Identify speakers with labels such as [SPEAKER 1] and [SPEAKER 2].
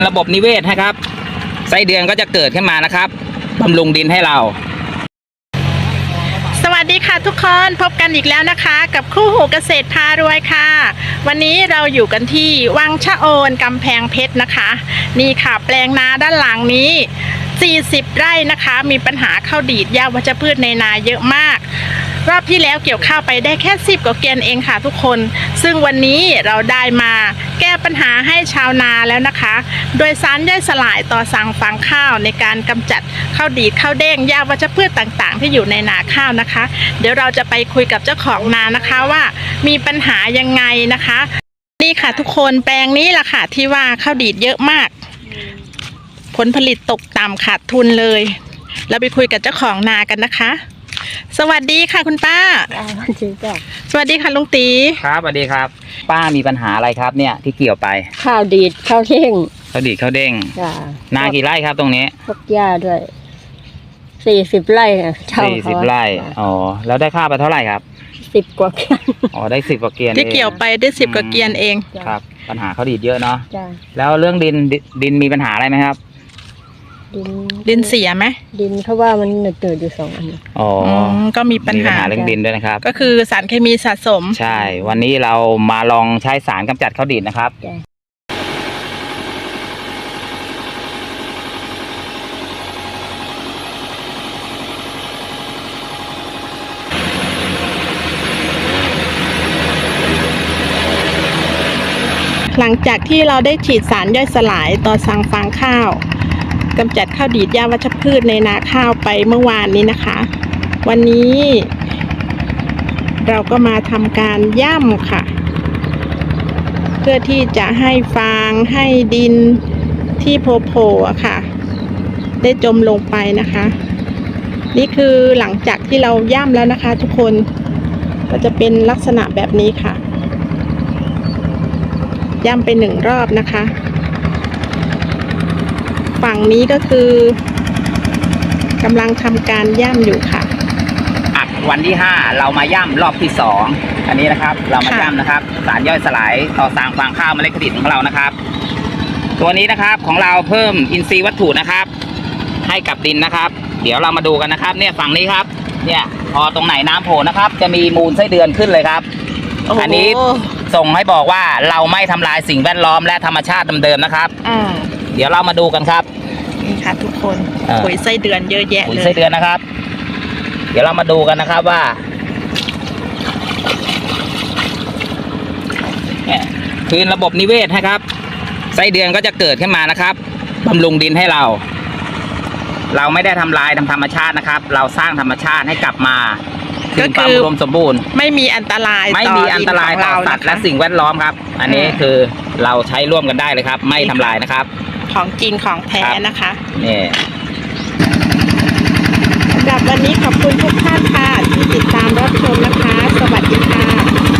[SPEAKER 1] ระบบนิเวศนะครับไส้เดือนก็จะเกิดขึ้นมานะครับบำรุงดินให้เรา
[SPEAKER 2] สวัสดีค่ะทุกคนพบกันอีกแล้วนะคะกับคู่หูเกษตรพารวยค่ะวันนี้เราอยู่กันที่วังชะโอนกำแพงเพชรนะคะนี่ค่ะแปลงนาด้านหลังนี้40 ไร่นะคะมีปัญหาข้าวดีดหญ้าวัชพืชในนาเยอะมากรอบที่แล้วเกี่ยวข้าวไปได้แค่10 กว่าเกวียนเองค่ะทุกคนซึ่งวันนี้เราได้มาแก้ปัญหาให้ชาวนาแล้วนะคะโดยสารย่อยสลายต่อสั่งฟางข้าวในการกำจัดข้าวดีดข้าวเด้งหญ้าวัชพืชต่างๆที่อยู่ในนาข้าวนะคะเดี๋ยวเราจะไปคุยกับเจ้าของนานะคะว่ามีปัญหายังไงนะคะนี่ค่ะทุกคนแปลงนี้ล่ะค่ะที่ว่าข้าวดีดเยอะมากผลผลิตตกต่ำขาดทุนเลยเราไปคุยกับเจ้าของนากันนะคะสวัสดีค่ะคุณป้าสวัสดีค่ะลุงตี
[SPEAKER 1] ครับสวัสดีครับป้ามีปัญหาอะไรครับเนี่ยที่เกี่ยวไป
[SPEAKER 3] ข้าวดีดข้าวเท่ง
[SPEAKER 1] ข้าวดีดข้าวเด้งนากี่ไร่ครับตรงนี้
[SPEAKER 3] พวกหญ้าด้วย40 ไร่นะ
[SPEAKER 1] 40 ไร่อ๋อแล้วได้ข้าวไปเท่าไหร่ครับ
[SPEAKER 3] 10 กว่าเกวียน
[SPEAKER 1] อ๋อได้10 กว่าเกวียน
[SPEAKER 2] ที่เกี่ยวไปได้10 กว่าเกวียนเอง
[SPEAKER 1] ครับปัญหาข้าวดีดเยอะเนาะแล้วเรื่องดินมีปัญหาอะไรไหมครับ
[SPEAKER 2] ดินเสียไหม
[SPEAKER 3] ดินเขาว่ามันหนืดอยู่2 อัน
[SPEAKER 1] อ๋อ
[SPEAKER 2] ก็มีปัญหา
[SPEAKER 1] เรื่องดินด้วยนะครับ
[SPEAKER 2] ก็คือสารเคมีสะสม
[SPEAKER 1] ใช่วันนี้เรามาลองใช้สารกำจัดข้าวดีดนะครับ
[SPEAKER 2] หลังจากที่เราได้ฉีดสารย่อยสลายต่อสั่งฟางข้าวกำจัดข้าวดีดหญ้าวัชพืชในนาข้าวไปเมื่อวานนี้นะคะวันนี้เราก็มาทำการย่ำค่ะเพื่อที่จะให้ฟางให้ดินที่โผล่ๆค่ะได้จมลงไปนะคะนี่คือหลังจากที่เราย่ำแล้วนะคะทุกคนก็จะเป็นลักษณะแบบนี้ค่ะย่ำไป1 รอบนะคะฝั่งนี้ก็คือกำลังทำการย่ำอยู่ค่ะ
[SPEAKER 1] วันที่5เรามาย่ำรอบที่2อันนี้นะครับเรามาย่ำนะครับสารย่อยสลายต่อสั่งฟางข้าวเมล็ดข้าวดีดของเรานะครับตัวนี้นะครับของเราเพิ่มอินทรีย์วัตถุนะครับให้กับดินนะครับเดี๋ยวเรามาดูกันนะครับเนี่ยฝั่งนี้ครับเนี่ยพอตรงไหนน้ำโผล่นะครับจะมีมูลไส้เดือนขึ้นเลยครับอันนี้ส่งให้บอกว่าเราไม่ทำลายสิ่งแวดล้อมและธรรมชาติเดิมๆนะครับเดี๋ยวเรามาดูกันครับ
[SPEAKER 2] นี่ค่ะทุกคนปุ๋ยไส้เดือนเยอะแยะเลย
[SPEAKER 1] ปุ๋ยไส้เดือนนะครับเดี๋ยวเรามาดูกันนะครับว่าคือระบบนิเวศนะครับไส้เดือนก็จะเกิดขึ้นมานะครับบำรุงดินให้เราไม่ได้ทำลายธรรมชาตินะครับเราสร้างธรรมชาติให้กลับมาคืนความอุดมสมบูรณ์
[SPEAKER 2] ไม่มีอันตราย
[SPEAKER 1] ต่อสัตว์และสิ่งแวดล้อมครับอันนี้คือเราใช้ร่วมกันได้เลยครับไม่ทำลายนะครับ
[SPEAKER 2] ของจริงของแท้นะคะ
[SPEAKER 1] นี่
[SPEAKER 2] สำหรับวันนี้ขอบคุณทุกท่านค่ะที่ติดตามรับชมนะคะสวัสดีค่ะ